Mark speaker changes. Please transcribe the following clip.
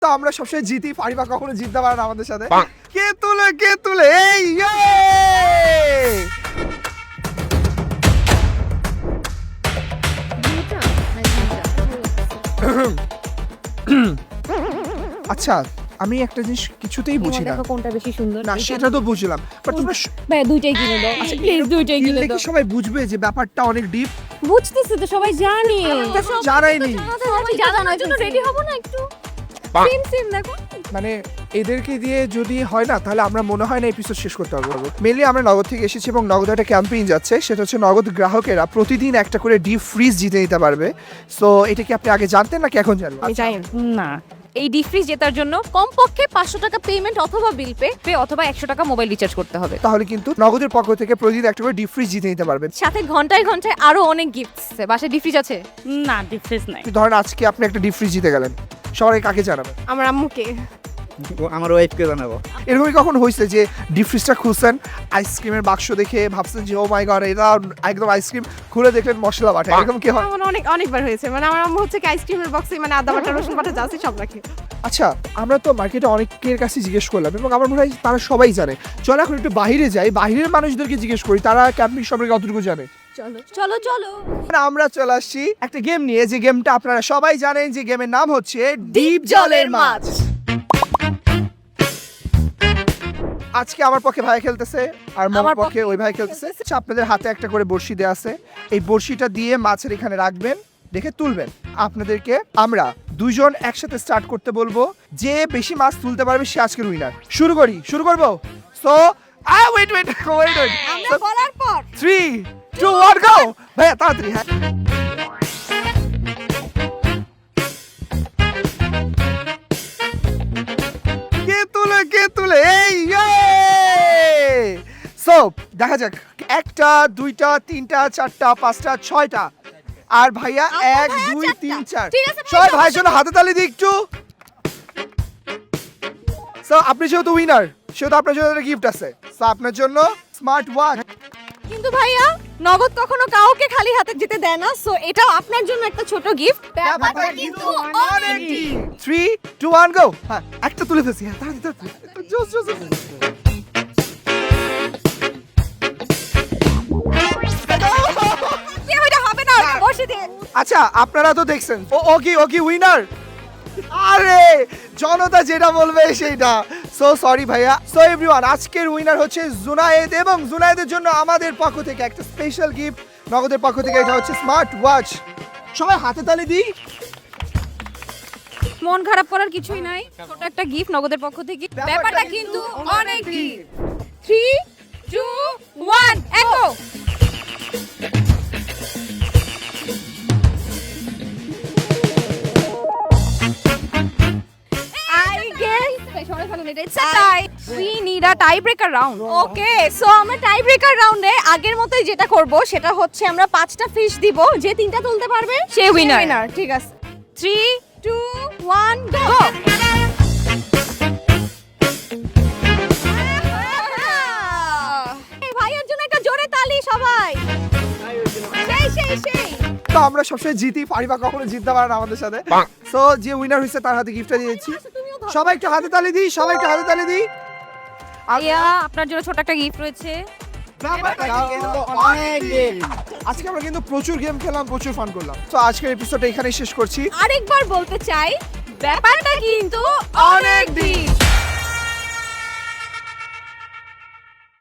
Speaker 1: তো আমরা সবসময় জিতি, ফারিবা কখনো জিততে পারে না আমাদের সাথে। কে তুলে এই আচ্ছা, আমি একটা জিনিস কিছুতেই বুঝি না,
Speaker 2: কোনটা বেশি সুন্দর
Speaker 1: না সেটা তো বুঝলাম, বাট তোমরা
Speaker 2: ভাই দুইটাই কিনে দাও প্লিজ, দুইটাই কিনে দাও।
Speaker 1: সবাই বুঝবে যে ব্যাপারটা অনেক ডিপ।
Speaker 2: বুঝতেছি তো, সবাই জানি,
Speaker 1: জানাইনি
Speaker 2: সবাই জানানোর জন্য রেডি হব না একটু? সেম দেখো,
Speaker 1: মানে এদেরকে দিয়ে যদি হয় না তাহলে আমরা মনে হয় না এপিসোড শেষ করতে পারবো। মেনলি আমরা নগদ থেকে এসেছি এবং নগদ একটা ক্যাম্পেইন যাচ্ছে, সেটা হচ্ছে নগদ গ্রাহকেরা প্রতিদিন একটা করে ডিপ ফ্রিজ জিতে নিতে পারবে। সো এটা কি আপনি আগে জানতেন নাকি এখন জানবেন?
Speaker 2: আমি জানি না। এই ডিপ ফ্রিজ জেতার জন্য কমপক্ষে 500 টাকা পেমেন্ট অথবা বিল পে অথবা 100 টাকা মোবাইল রিচার্জ করতে হবে।
Speaker 1: তাহলে কিন্তু নগদের পক্ষ থেকে প্রতিদিন একটা করে ডিপ ফ্রিজ জিতে নিতে পারবেন।
Speaker 2: সাথে ঘন্টায় ঘন্টায় আরো অনেক গিফটস আছে। বাসায় ডিপ ফ্রিজ আছে?
Speaker 3: না, ডিপ ফ্রিজ নাই।
Speaker 1: ধরেন আজকে আপনি একটা ডিপ ফ্রিজ জিতে গেলেন, সবাই কাকে জানাবেন?
Speaker 2: আমার আম্মুকে।
Speaker 4: আমার ওয়াইফকে জানাবো।
Speaker 1: এরকমই কখন হয়েছে যে ডিপ ফ্রিজটা খুলছেন, আইসক্রিমের বাক্স দেখে ভাবছেন যে ও মাই গড এটা একদম আইসক্রিম, খুলে দেখলেন মশলা বাটা, এরকম কি হয়?
Speaker 5: অনেকবার হয়েছে, মানে আমার আম্মু হচ্ছে কি আইসক্রিমের বক্সে মানে আদা বাটা রসুন বাটা যা আছে সব রাখে।
Speaker 1: আচ্ছা, আমরা তো মার্কেটে অনেকের কাছে জিজ্ঞেস করলাম এবং আমার মনে হয় তারা সবাই জানে। চলো এখন একটু বাইরে যাই, বাইরের মানুষদেরকে জিজ্ঞেস করি তারা ক্যাম্পিং সম্পর্কে কতটুকু জানে।
Speaker 2: চলো চলো চলো,
Speaker 1: আমরা চলে আসছি একটা গেম নিয়ে, যে গেমটা আপনারা সবাই জানেন, যে গেমের নাম হচ্ছে ডিপ জলের মাছ। আজকে আমার পক্ষে ভাই খেলতেছে আর আমার পক্ষে ওই ভাই খেলতেছে। আচ্ছা, আপনাদের হাতে একটা করে বড়শি দেয়া আছে, এই বড়শিটা দিয়ে মাছের এখানে রাখবেন, দেখে তুলবেন। আপনাদেরকে আমরা দুইজন একসাথে স্টার্ট করতে বলবো, যে বেশি মাছ তুলতে পারবে সে আজকের উইনার। শুরু করবো। সো ওয়েট
Speaker 2: আমরা বলার পর
Speaker 1: 3 2 1 গো। ভাইয়া তাড়াতাড়ি। হ্যাঁ, কে তুলে এই সো দেখা যাক, 1টা 2টা 3টা 4টা 5টা 6টা। আর ভাইয়া 1 2 3 4। সবাই ভাইয়ের জন্য হাতে তালি দিই একটু। সো আপনি যেহেতু উইনার, সেহেতু আপনার জন্য একটা গিফট আছে। সো আপনার জন্য স্মার্ট ওয়াচ।
Speaker 2: কিন্তু ভাইয়া নগদ কখনো কাউকে খালি হাতে যেতে দেয় না, সো এটাও আপনার জন্য একটা ছোট গিফট। ব্যাপারটা কিন্তু অনেক
Speaker 1: 3 2 1 গো। হ্যাঁ, একটা তুলে ফেলছি। হ্যাঁ, তাড়াতাড়ি জোস।
Speaker 2: হবে না, বসে দে।
Speaker 1: আচ্ছা, আপনারা তো দেখছেন ও কি উইনার। আরে জনতা যেটা বলবে সেইটা। সো সরি ভাইয়া। সো এভরিওয়ান, আজকের উইনার হচ্ছে জুনায়েদ, এবং জুনায়েদের জন্য আমাদের পক্ষ থেকে একটা স্পেশাল গিফট নগদের পক্ষ থেকে, এটা হচ্ছে স্মার্ট ওয়াচ। সবাই হাতে তালি দিই।
Speaker 2: মন খারাপ করার কিছুই নাই, ছোট একটা গিফট নগদের পক্ষ থেকে। ব্যাপারটা কিন্তু অনেক গিফট। 3 2 1 এগো। We need a tiebreaker round. Okay, so আমরা tiebreaker রাউন্ডে আগের মতোই যেটা করব সেটা হচ্ছে আমরা 5টা ফিশ দিব, যে 3টা তুলতে পারবে সে উইনার। ঠিক আছে, 3 2 1 গো। ভাইয়ের জন্য একটা জোরে তালি সবাই। সেই
Speaker 1: তো আমরা সবসময় জিতি, ফারিবা কখনো জিততে পারে না আমাদের সাথে। সো যে উইনার হয়েছে তার হাতে গিফটটা দিয়ে দিচ্ছি। সবাই একটু হাতে তালি দিই।
Speaker 2: আইয়া, আপনার জন্য ছোট একটা গিফট রয়েছে।
Speaker 1: আজকে আমরা কিন্তু প্রচুর গেম খেললাম, প্রচুর ফান করলাম। তো আজকের এপিসোডটা এখানেই শেষ করছি।
Speaker 2: আরেকবার বলতে চাই, ব্যাপারটা কিন্তু